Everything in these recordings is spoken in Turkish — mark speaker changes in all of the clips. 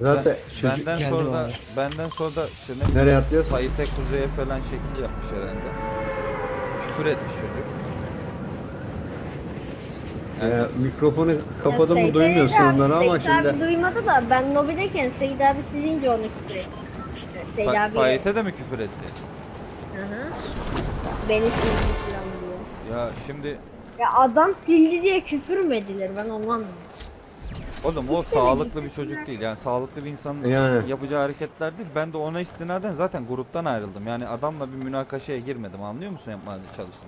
Speaker 1: Zaten çocuk
Speaker 2: Benden
Speaker 3: geldi
Speaker 2: sonra da
Speaker 3: bana.
Speaker 2: benden sonra da işte ne
Speaker 1: nereye atlıyor?
Speaker 2: Sait'e kuzeye falan şekil yapmış herhalde. Küfür etmiş çocuk.
Speaker 1: Mikrofonu kapadım mı
Speaker 4: Seyit
Speaker 1: duymuyorsun
Speaker 4: abi,
Speaker 1: onları ama
Speaker 4: Seyit abi
Speaker 1: şimdi
Speaker 4: duymadı da ben lobideyken Seyit abi sizince onu küfür etti. Seyit abi.
Speaker 2: Sait'e de mi küfür etti?
Speaker 4: Hı hı. Beni sildi falan diyor.
Speaker 2: Ya şimdi
Speaker 4: Ya adam sildi diye küfür mü edilir, ben onu anlamadım.
Speaker 2: oğlum o sağlıklı bir çocuk değil. Yani sağlıklı bir insanın
Speaker 1: Yani.
Speaker 2: yapacağı hareketler değil. Ben de ona istinaden zaten gruptan ayrıldım. Yani adamla bir münakaşaya girmedim. Anlıyor musun yapmaya çalıştım.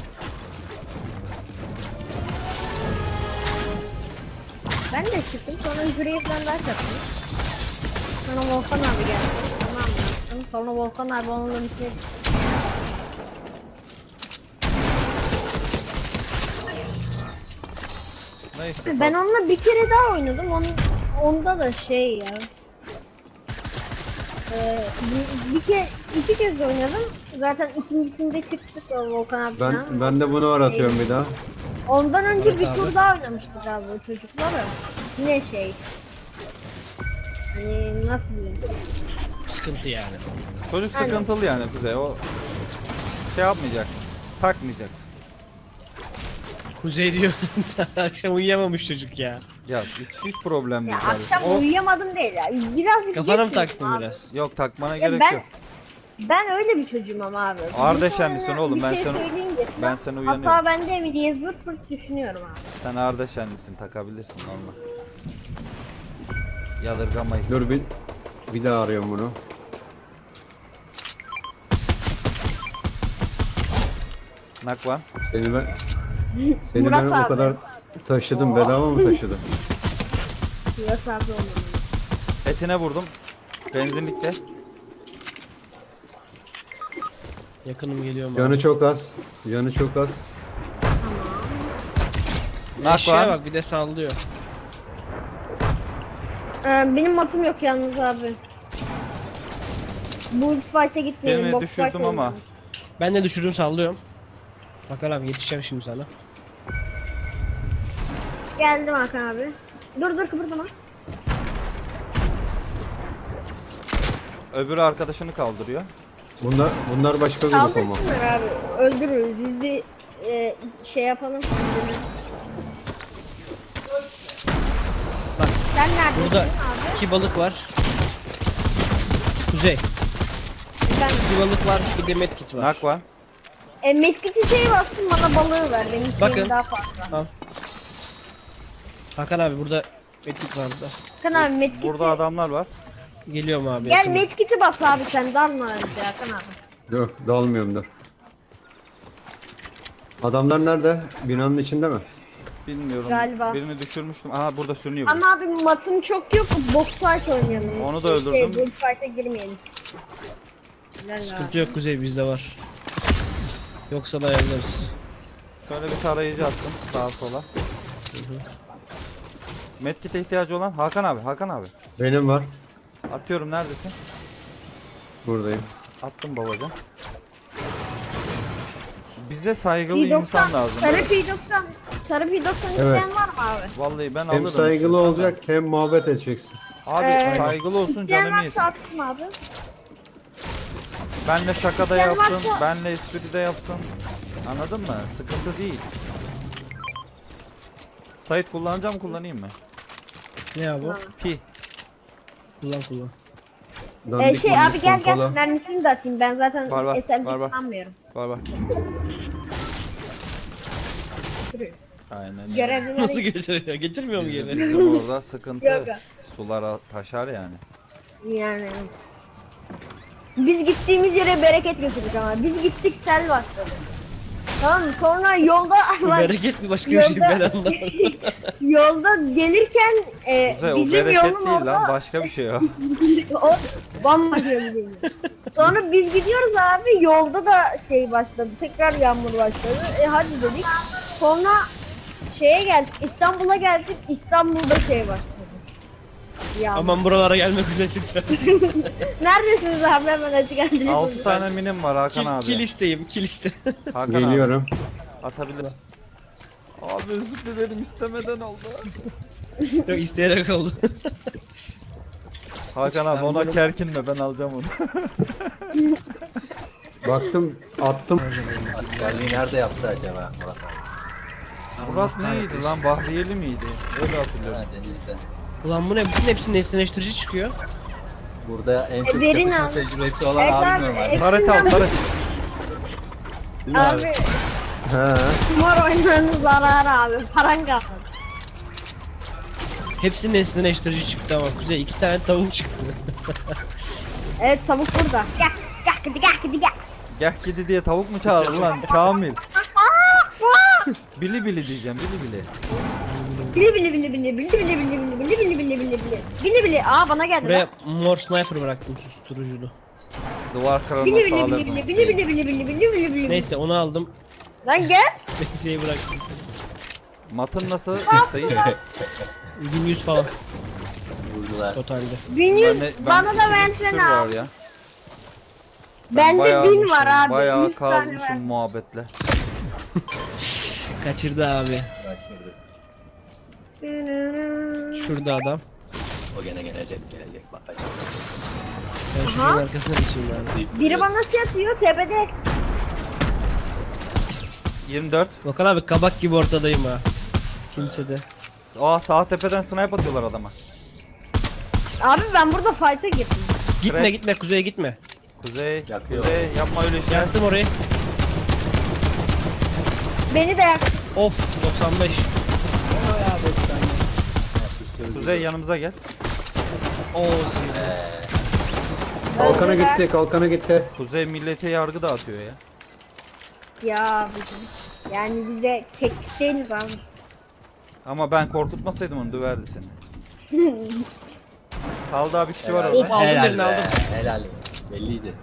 Speaker 4: Ben de çıktım, sonra Hürriye falan daha çaktım. Sonra Volkan abi geldi. Tamam mı? Sonra Volkan abi onunla bir şey...
Speaker 2: Neyse.
Speaker 4: Ben onunla bir kere daha oynadım. Onda da şey ya. İki kez oynadım. Zaten ikincisinde çıktık o Volkan abi falan.
Speaker 1: ben de bunu aratıyorum bir daha.
Speaker 4: Ondan önce
Speaker 3: Evet
Speaker 4: bir
Speaker 3: abi.
Speaker 4: tur daha oynamıştık abi o çocuklarla. Yine şey. Hani nasıl diyeyim?
Speaker 3: Sıkıntı yani.
Speaker 2: Çocuk
Speaker 4: Aynen.
Speaker 2: sıkıntılı yani Kuzey. O şey yapmayacaksın. Takmayacaksın.
Speaker 3: Kuzey diyor. Akşam uyuyamamış çocuk ya.
Speaker 2: Ya hiç problem
Speaker 4: Ya
Speaker 2: değil kardeşim.
Speaker 4: akşam
Speaker 2: O,
Speaker 4: uyuyamadım değil ya. Birazcık
Speaker 3: Kafana mı
Speaker 4: geç
Speaker 3: taktın
Speaker 4: uyudum abi.
Speaker 3: biraz?
Speaker 2: yok takmana
Speaker 4: Ya
Speaker 2: gerek yok.
Speaker 4: ben öyle bir çocuğum ama abi.
Speaker 2: Ardeşenlisin
Speaker 4: Bir sonra
Speaker 2: oğlum,
Speaker 4: bir
Speaker 2: ben
Speaker 4: şey
Speaker 2: seni-
Speaker 4: söyleyince
Speaker 2: ben
Speaker 4: falan,
Speaker 2: seni uyanıyorum.
Speaker 4: hata bende mi diye zırt pırt düşünüyorum abi.
Speaker 2: Sen Ardeşenlisin, takabilirsin normal. Yadırgamayız.
Speaker 1: Dur bir daha arıyorum bunu.
Speaker 2: Nakvan.
Speaker 1: Seni
Speaker 4: Murat
Speaker 1: ben o
Speaker 4: abi.
Speaker 1: kadar taşıdım, bedava mı taşıdım?
Speaker 4: Biraz abi olmalı.
Speaker 2: Etine vurdum. Benzinlikte.
Speaker 3: Yakınım geliyorum
Speaker 1: Canı
Speaker 3: abi.
Speaker 1: çok az. Canı çok az.
Speaker 3: Aşağıya
Speaker 2: Nakvan.
Speaker 3: bak bir de sallıyor.
Speaker 4: Benim matım yok yalnız abi. Bu fight'e gitmeyelim.
Speaker 2: Birini
Speaker 4: box
Speaker 2: düşürdüm
Speaker 4: fight
Speaker 2: ama.
Speaker 4: oynayalım.
Speaker 3: Ben de düşürdüm sallıyorum. Bakar abi yetişeceğim şimdi sana.
Speaker 4: Geldim Hakan abi. Dur kıpırdama.
Speaker 2: Öbürü arkadaşını kaldırıyor.
Speaker 1: Bunlar başka grup ama.
Speaker 4: Kaldırsınlar abi. Öldürürüz. Biz bir şey yapalım.
Speaker 3: Bak,
Speaker 4: Sen neredesin
Speaker 3: Burada
Speaker 4: abi?
Speaker 3: 2 balık var. Kuzey.
Speaker 4: Ben
Speaker 3: 2 balık var bir de medkit var.
Speaker 2: Nakvan.
Speaker 4: meskiti şey bastım, bana balığı ver. Benim
Speaker 3: Bakın.
Speaker 4: şeyim daha fazla.
Speaker 3: Al. Hakan abi burada medkit var burada.
Speaker 4: Hakan abi meskiti.
Speaker 2: Burada adamlar var.
Speaker 3: Geliyorum abi.
Speaker 4: Gel
Speaker 3: yakınım.
Speaker 4: meskiti bas abi, sen dalma önce Hakan abi.
Speaker 1: Dur dalmıyorum dur. Adamlar nerede? Binanın içinde mi?
Speaker 2: Bilmiyorum.
Speaker 4: Galiba.
Speaker 2: Birini düşürmüştüm. Aha burada sürünüyor. bu.
Speaker 4: Ama abi matım çok yok. Box fight oynayalım.
Speaker 2: Onu da öldürdüm.
Speaker 4: Box fight'e girmeyelim. Helal abi.
Speaker 3: Sıkıntı yok Kuzey bizde var. Yoksa da ayarlarız.
Speaker 2: Şöyle bir tarayıcı attım sağa sola. Medkit'e ihtiyacı olan Hakan abi. Hakan abi.
Speaker 1: Benim var.
Speaker 2: Atıyorum, neredesin?
Speaker 1: Buradayım.
Speaker 2: Attım babacan. Bize saygılı
Speaker 4: P90,
Speaker 2: insan lazım.
Speaker 4: Sarı
Speaker 2: Evet.
Speaker 4: P90. Sarı P90
Speaker 1: Evet.
Speaker 4: isteyen var mı abi?
Speaker 2: Vallahi ben
Speaker 1: Hem
Speaker 2: alırım.
Speaker 1: saygılı
Speaker 2: istiyorsan da.
Speaker 1: olacak hem muhabbet edeceksin.
Speaker 2: Abi saygılı olsun,
Speaker 4: İsteyen
Speaker 2: canını
Speaker 4: varsa
Speaker 2: yesin.
Speaker 4: atsın abi.
Speaker 2: Benle şakada
Speaker 4: İsteyen
Speaker 2: yapsın,
Speaker 4: varsa-
Speaker 2: benle espride yapsın. Anladın mı? Sıkıntı değil. Sait kullanacağım, kullanayım mı?
Speaker 3: Ne abi o?
Speaker 2: Pi.
Speaker 3: Kullan.
Speaker 1: Dandik
Speaker 4: Şey
Speaker 1: mandik
Speaker 4: abi gel
Speaker 1: pompalı.
Speaker 4: mermisini de atayım, ben zaten
Speaker 2: Var, var,
Speaker 4: SMG
Speaker 2: var, var.
Speaker 4: kullanmıyorum.
Speaker 2: Var. Aynen. öyle.
Speaker 4: Görevlileri
Speaker 3: Nasıl getiriyor? Getirmiyor mu geri?
Speaker 2: Bizim orada sıkıntı.
Speaker 4: Yok.
Speaker 2: Sular taşar yani.
Speaker 4: yani. Biz gittiğimiz yere bereket götürdük ama. Biz gittik, sel başladı. Tamam mı? Sonra yolda
Speaker 3: Bu bereket mi başka bir şey ben anlamadım.
Speaker 4: yolda gelirken
Speaker 2: Kuzey, o
Speaker 4: bizim
Speaker 2: bereket
Speaker 4: yolun
Speaker 2: değil
Speaker 4: orada
Speaker 2: lan, başka bir şey o.
Speaker 4: o bambaşka bir şey. Sonra biz gidiyoruz abi, yolda da şey başladı. Tekrar yağmur başladı. Hadi dedik. Sonra şeye geldik. İstanbul'a geldik. İstanbul'da şey başladı. Yağmur.
Speaker 3: Aman buralara gelmek üzere lütfen.
Speaker 4: Neredesiniz abi, hemen hadi geldiniz.
Speaker 2: 6 tane minim var Hakan abi.
Speaker 3: Kill isteyim, kill iste.
Speaker 2: Hakan
Speaker 1: Geliyorum.
Speaker 2: abi. Atabilir. Abi özür dilerim, istemeden oldu.
Speaker 3: Yok isteyerek oldu.
Speaker 2: Hakan abi ona kerkinme, ben alacağım onu.
Speaker 1: Baktım attım.
Speaker 5: Askerliği nerede yaptı acaba Murat abi?
Speaker 2: Murat neydi lan, Bahriyeli miydi? Öyle hatırlıyorum.
Speaker 5: Ha, denizde.
Speaker 3: Ulan bu ne? Bütün hepsinin nesneleştirici çıkıyor.
Speaker 5: Burada en çok
Speaker 4: Verin
Speaker 5: çatışma
Speaker 4: abi.
Speaker 5: tecrübesi olan
Speaker 4: Evet
Speaker 5: abim
Speaker 4: abi,
Speaker 5: normal.
Speaker 2: Taret al, taret.
Speaker 5: Değil mi abi?
Speaker 4: Abi
Speaker 1: He.
Speaker 4: kumar oynamanın zararı abi. Paran kalmadı.
Speaker 3: Hepsinin nesneleştirici çıktı ama Kuzey 2 tane tavuk çıktı.
Speaker 4: Evet tavuk burada. Gel. Gel gel gel gel.
Speaker 2: Gel gidi diye tavuk mu çağırdın lan Kamil? Bili bili diyeceğim, bili bili.
Speaker 4: Bili bili bili bili bili bili bili bili bili bili bili bili bili. Bili bili. Aa bana geldi.
Speaker 3: Buraya
Speaker 4: Lan.
Speaker 3: mor sniper bıraktım susturuculu.
Speaker 2: Duvar kırılma
Speaker 4: Bili bili bili
Speaker 2: sağlarım.
Speaker 4: bili bili bili bili bili bili bili bili.
Speaker 3: Neyse onu aldım.
Speaker 4: Lan gel.
Speaker 3: Şeyi bıraktım.
Speaker 2: Matın nasıl Sayın?
Speaker 3: 1100 falan
Speaker 5: Vurdular.
Speaker 3: totalde.
Speaker 4: 1100 bana da versene
Speaker 2: var
Speaker 4: abi.
Speaker 2: ya.
Speaker 4: Bende
Speaker 2: Bayağı
Speaker 4: 1000 var abi.
Speaker 2: Bayağı
Speaker 4: 100 tane ver.
Speaker 2: kazmışım muhabbetle.
Speaker 3: Kaçırdı abi.
Speaker 5: Başladı.
Speaker 3: Şurada adam.
Speaker 5: O gene gelecek bakacak.
Speaker 3: Ben şunun arkasına geçeyim abi.
Speaker 4: Biri bana şey atıyor tepede.
Speaker 2: 24.
Speaker 3: Volkan abi kabak gibi ortadayım ha. Kimse de.
Speaker 2: Aa, sağ tepeden snipe atıyorlar adama.
Speaker 4: Abi ben burada fight'a girdim.
Speaker 3: Gitme
Speaker 2: Crack.
Speaker 3: gitme Kuzey'e gitme.
Speaker 2: Kuzey,
Speaker 5: Yakıyor.
Speaker 2: Kuzey yapma öyle şey.
Speaker 3: Yaktım orayı.
Speaker 4: Beni de yak.
Speaker 3: Of 95.
Speaker 2: Kuzey yanımıza gel.
Speaker 3: Olsun.
Speaker 1: Kalkana gitti, kalkana gitti.
Speaker 2: Kuzey millete yargı dağıtıyor ya.
Speaker 4: Ya bizim. Yani bize kek değiliz abi.
Speaker 2: Ama ben korkutmasaydım onu döverdi seni. Kaldı abi, bir kişi var
Speaker 3: Of,
Speaker 2: orada.
Speaker 3: aldım
Speaker 5: Helal
Speaker 3: birini,
Speaker 5: be,
Speaker 3: aldım.
Speaker 5: Helal. Belliydi.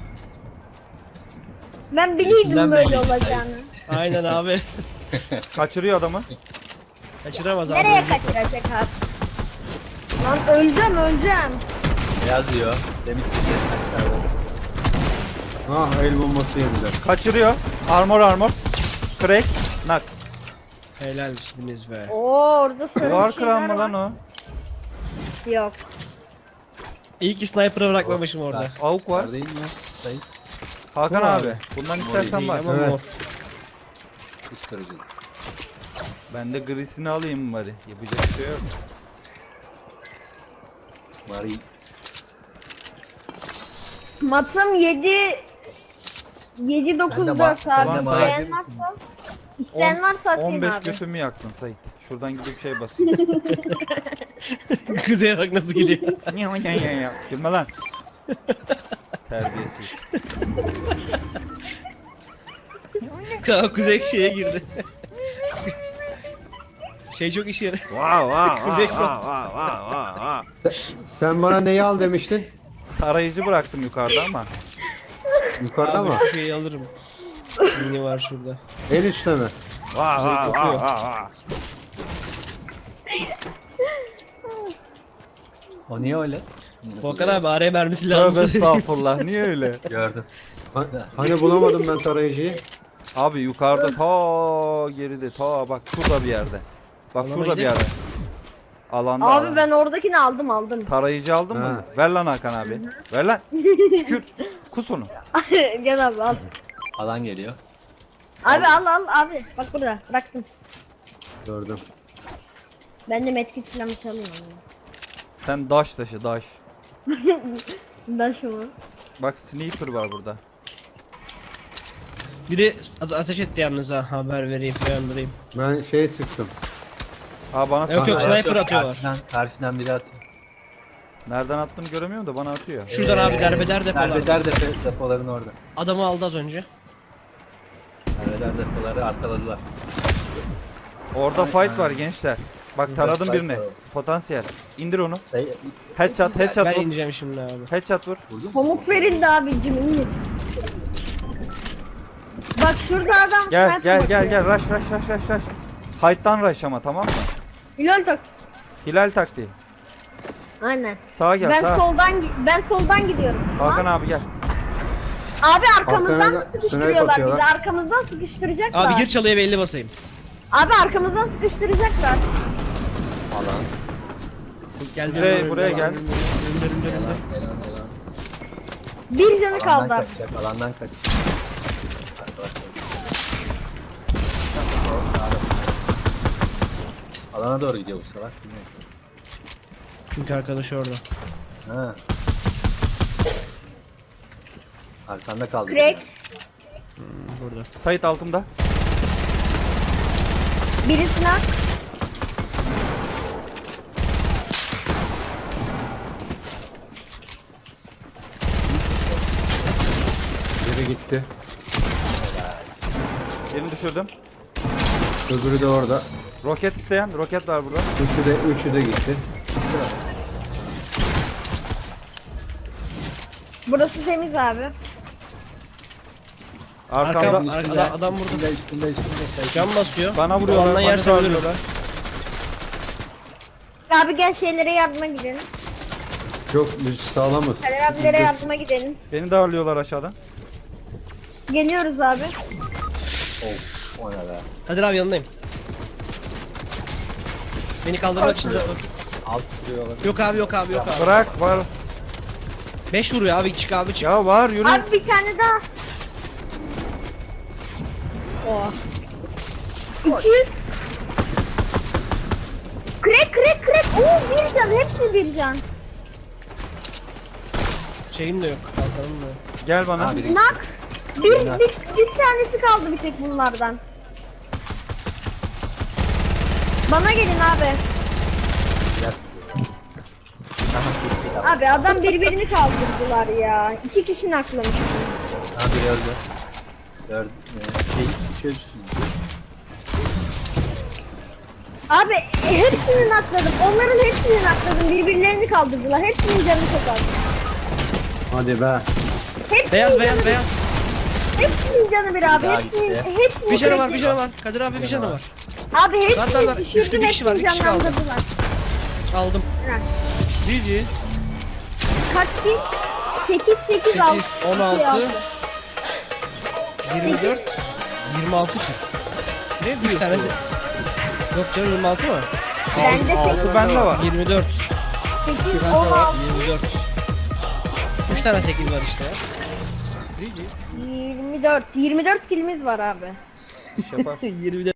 Speaker 4: Ben biliyordum
Speaker 5: İçinden
Speaker 4: böyle
Speaker 5: belli.
Speaker 4: olacağını.
Speaker 3: Aynen abi.
Speaker 2: Kaçırıyor adamı.
Speaker 3: Kaçıramaz abi.
Speaker 4: Nereye
Speaker 3: ölecek o.
Speaker 4: kaçıracak abi? Lan öleceğim.
Speaker 5: Ne yazıyor? Demin çıktı aşağıda.
Speaker 1: Ha el bombası yediler.
Speaker 2: Kaçırıyor. Armor. Crack. Nak.
Speaker 3: Helalsiniz be.
Speaker 4: Oo orada sarı
Speaker 2: Duvar
Speaker 4: bir
Speaker 2: kıran
Speaker 4: şeyler
Speaker 2: mı lan
Speaker 4: var.
Speaker 2: o?
Speaker 4: Yok.
Speaker 3: İyi ki sniper'ı bırakmamışım orada.
Speaker 2: Avuk var.
Speaker 5: Var değil mi? Sayın.
Speaker 2: Hakan
Speaker 3: Bu
Speaker 2: abi.
Speaker 3: abi.
Speaker 2: Bundan istersen
Speaker 3: Değil
Speaker 2: var.
Speaker 3: ama
Speaker 1: Evet.
Speaker 3: mor.
Speaker 5: Hiç kırıcı.
Speaker 2: Ben de grisini alayım bari. Yapacak bir şey yok.
Speaker 5: Mari.
Speaker 4: Matım 7 9 4 abi.
Speaker 5: sen
Speaker 2: de
Speaker 4: İsteyen
Speaker 5: macir
Speaker 4: varsa
Speaker 5: misin?
Speaker 4: İsteyen varsa atayım
Speaker 2: 15
Speaker 4: abi.
Speaker 2: götümü yaktın Sait. Şuradan gidip şey bas.
Speaker 3: Kuzey'e bak nasıl geliyor.
Speaker 2: Gülme lan. Terbiyesiz.
Speaker 3: Tamam Kuzey şeye girdi. Şey çok işe yarar. Kuzey koptu.
Speaker 1: Sen bana neyi al demiştin?
Speaker 2: Tarayıcı bıraktım yukarıda ama.
Speaker 1: Yukarıda
Speaker 3: Abi
Speaker 1: mı?
Speaker 3: şu şeyi alırım. Mini var şurada.
Speaker 1: En üstte mi?
Speaker 3: Kuzey kopuyor.
Speaker 5: O niye öyle?
Speaker 3: Volkan abi araya mermisi
Speaker 2: Tövbe
Speaker 3: lazım.
Speaker 2: estağfurullah, niye öyle?
Speaker 5: Gördüm.
Speaker 1: Hani bulamadım ben tarayıcıyı.
Speaker 2: Abi yukarıda ta geride ta bak şurada bir yerde. Bak
Speaker 3: Alana
Speaker 2: şurada bir
Speaker 3: gidelim.
Speaker 2: yerde. Alanda.
Speaker 4: Abi
Speaker 2: alanda.
Speaker 4: ben oradakini aldım.
Speaker 2: Tarayıcı aldın mı?
Speaker 1: Ha.
Speaker 2: Ver lan Hakan abi. Ver lan. Tükür. Kus onu.
Speaker 4: Gel abi al.
Speaker 5: Alan geliyor.
Speaker 4: Abi al abi. Bak burada bıraktım.
Speaker 1: Gördüm.
Speaker 4: Ben de medkit silahı çalıyorum.
Speaker 2: Sen daş taşı daş.
Speaker 4: Ben şu mu?
Speaker 2: Bak sniper var burada.
Speaker 3: Biri ateş etti yalnız ha, haber vereyim uyandırayım.
Speaker 1: Ben şey sıktım.
Speaker 2: Aa bana
Speaker 3: Yok, yok,
Speaker 2: sana-
Speaker 3: sniper atıyorlar.
Speaker 5: Karşıdan biri atıyor.
Speaker 2: Nereden attığını göremiyorum da bana atıyor.
Speaker 3: Şuradan abi derbeder depolar.
Speaker 5: Derbeder depoların orada.
Speaker 3: Adamı aldı az önce.
Speaker 5: Derbeder depoları arkaladılar.
Speaker 2: Orada fight var gençler. Bak taradım
Speaker 5: fight
Speaker 2: birini.
Speaker 5: var.
Speaker 2: Potansiyel. İndir onu.
Speaker 5: Sayı
Speaker 2: Headshot
Speaker 3: Ben
Speaker 2: vur.
Speaker 3: ineceğim şimdi abi.
Speaker 2: Headshot vur.
Speaker 4: Pamuk verildi abicim. İyi. Bak şurada adam.
Speaker 2: Gel
Speaker 4: sniper
Speaker 2: gel
Speaker 4: bakıyor.
Speaker 2: gel rush. Height'tan rush ama, tamam mı?
Speaker 4: Hilal tak.
Speaker 2: Hilal taktiği.
Speaker 4: Aynen.
Speaker 2: Sağa gel
Speaker 4: Ben
Speaker 2: sağa.
Speaker 4: soldan gidiyorum.
Speaker 2: Hakan abi gel.
Speaker 4: Abi arkamızdan
Speaker 1: Arkamıza
Speaker 4: sıkıştırıyorlar
Speaker 1: sniper
Speaker 4: bizi.
Speaker 1: atıyorlar.
Speaker 4: Arkamızdan sıkıştıracaklar.
Speaker 3: Abi gir çalıya belli basayım.
Speaker 4: Abi arkamızdan sıkıştıracaklar.
Speaker 5: alan.
Speaker 3: Gel
Speaker 2: Buraya gel.
Speaker 3: önümde.
Speaker 5: Helal.
Speaker 4: Bir canı
Speaker 5: Alandan
Speaker 4: kaldı.
Speaker 5: kaçacak, alandan kaçacak. Arkadaşlar. Alana doğru gidiyor bu sefer. Bilmiyorum.
Speaker 3: Çünkü arkadaşı orada.
Speaker 5: Ha. Arkanda kaldı.
Speaker 4: Crack.
Speaker 3: Burada.
Speaker 2: Sait altımda.
Speaker 4: Birisine
Speaker 1: Biri gitti.
Speaker 2: Birini düşürdüm.
Speaker 1: Öbürü de orada.
Speaker 2: Roket isteyen. Roket var burada.
Speaker 1: Üçü de gitti.
Speaker 4: burası temiz abi.
Speaker 2: Arkamda.
Speaker 3: Arkada adam burada.
Speaker 5: Üstünde.
Speaker 3: Cam basıyor.
Speaker 2: Bana vuruyorlar.
Speaker 3: Alandan
Speaker 2: Bana
Speaker 3: yerse ölürüm.
Speaker 2: darlıyorlar.
Speaker 4: Abi gel şeylere yardıma gidelim.
Speaker 1: Çok biz sağlamız.
Speaker 4: Kader abilere yardıma gidelim.
Speaker 2: Beni darlıyorlar aşağıdan.
Speaker 4: Geliyoruz abi.
Speaker 5: O ne be?
Speaker 3: Kadir abi yanındayım. Beni kaldırmak için de bakayım.
Speaker 5: Alt duruyorlar.
Speaker 3: Yok abi yok abi yok abi.
Speaker 2: Bırak var.
Speaker 3: 5 vuruyor abi çık abi çık.
Speaker 2: Ya var yürü.
Speaker 4: Abi bir tane daha. Oh. 200. Crack. Oo bir can. Hepsi bir can.
Speaker 3: Şeyim de yok. Kalkanım da yok.
Speaker 2: Gel bana.
Speaker 5: Ha, biri
Speaker 4: Nak. Bir tanesi kaldı bir tek bunlardan. Bana gelin abi. Abi adam birbirini kaldırdılar ya. 2 kişi naklamış.
Speaker 5: Ha biri öldü. Dört. Çözsün.
Speaker 4: Abi hepsini nakladım. Onların hepsini nakladım. Birbirlerini kaldırdılar. Hepsinin canı çok az.
Speaker 1: Hadi be.
Speaker 4: Hepsinin
Speaker 3: Beyaz
Speaker 4: canı,
Speaker 3: beyaz beyaz.
Speaker 4: Hepsinin canı bir abi.
Speaker 5: daha
Speaker 4: Hepsinin,
Speaker 5: gitti.
Speaker 4: hepsinin
Speaker 3: Bir canı var
Speaker 4: canı-
Speaker 3: bir canı var. Kadir abi bir canı var.
Speaker 4: Abi hepsini
Speaker 3: Zaten
Speaker 4: düşürdüm.
Speaker 3: üçlü bir kişi var, bir
Speaker 4: hepsini
Speaker 3: kişi kaldı.
Speaker 4: canlandırdılar.
Speaker 3: Aldım.
Speaker 2: GG.
Speaker 4: Kaç ki? 8, 6.
Speaker 3: 8, 16, 24, 26 kill.
Speaker 2: Ne
Speaker 3: 3
Speaker 2: diyorsun?
Speaker 3: tanesi. Yok canım 26 mı?
Speaker 4: Bende
Speaker 2: 6 bende var.
Speaker 3: 24,
Speaker 4: 8, 16,
Speaker 3: 24. 3 tane 8 var işte ya.
Speaker 4: 24. 24 kilimiz var abi.
Speaker 2: İş yapar.
Speaker 3: 24.